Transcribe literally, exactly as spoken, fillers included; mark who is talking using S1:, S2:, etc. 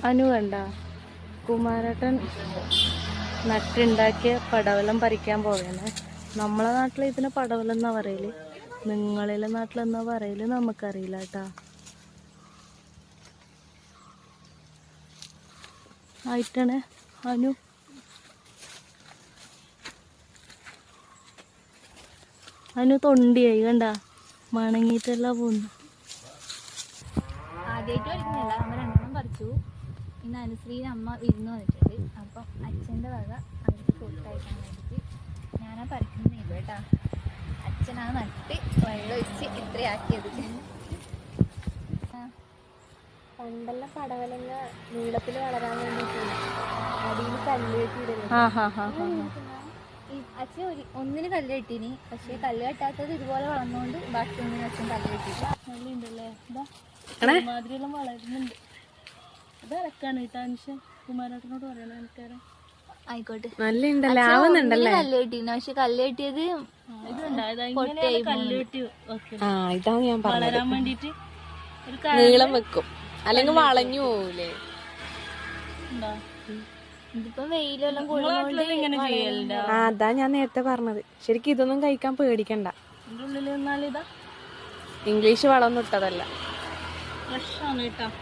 S1: അനു കണ്ട കുമാരേട്ടൻ നട്ടുണ്ടാക്കിയ പടവലം പറിക്കാൻ പോവുകയാണ്. നമ്മളെ നാട്ടിൽ ഇതിന് പടവലം എന്നാ പറയല്, നിങ്ങളിലെ നാട്ടിലെന്നാ പറയല് നമുക്കറിയില്ല കേട്ടാ. ആയിട്ടാണ് അനു അനു തൊണ്ടിയായി കണ്ട, മണങ്ങിയിട്ടെല്ലാം പോകുന്നു.
S2: ആദ്യമായിട്ട് പഠിക്കുന്നില്ല, നമ്മൾ രണ്ടെണ്ണം പറിച്ചു. ഇന്ന് അനുശ്രീന് അമ്മ വിരുന്ന് വന്നിട്ടുണ്ട്. അപ്പം അച്ഛൻ്റെ വക അവർക്ക് കൊടുത്തയക്കാൻ വേണ്ടിയിട്ട് ഞാനാ പറിക്കുന്നില്ല കേട്ടാ. അച്ഛനാ നട്ട് വെള്ളം ഒഴിച്ച് ഇത്രയാക്കിയത്. പണ്ടെല്ലാം പടവലങ്ങ നീളത്തിൽ വളരാൻ വേണ്ടിയിട്ട് അടിയിൽ കല്ല് കെട്ടിയിടുന്നു. അച്ഛൻ ഒരു ഒന്നിന് കല്ല് കെട്ടീനി, പക്ഷേ കല്ല് കെട്ടാത്തത് ഇതുപോലെ വളർന്നുകൊണ്ട് ബാക്കി ഒന്നിന് അച്ഛൻ കല്ല് കെട്ടിയില്ല.
S1: നല്ലുണ്ടല്ലേ, മാതിരിയെല്ലാം വളരുന്നുണ്ട്. അത് ഇറക്കാണ് കേട്ടോ അനുഷൻ, കുമാരേട്ടനോട് പറയണ എനിക്കറിയാം.
S2: ആയിക്കോട്ടെ,
S1: നല്ലുണ്ടല്ലേ.
S2: കല്ല് കെട്ടീന്, പക്ഷെ കല്ല് കെട്ടിയത്
S1: കല്ല് കെട്ടി
S3: ഇതാണ് ഞാൻ
S1: വളരാൻ വേണ്ടിട്ട്
S3: നീളം വെക്കും, അല്ലെങ്കിൽ വളഞ്ഞു പോവൂലേ.
S2: ഇതിപ്പോ വെയിലെല്ലാം
S1: ഇങ്ങനെ ചെയ്യലുണ്ടോ?
S3: ആ അതാ ഞാൻ നേരത്തെ പറഞ്ഞത്. ശരിക്കും ഇതൊന്നും കഴിക്കാൻ പേടിക്കണ്ട.
S1: ഇതിന്റെ ഉള്ളിൽ നിന്നാലിതാ
S3: ഇംഗ്ലീഷ് വളമൊന്നും ഇട്ടതല്ല.
S1: ഫ്രഷ് ആണ് കേട്ടോ.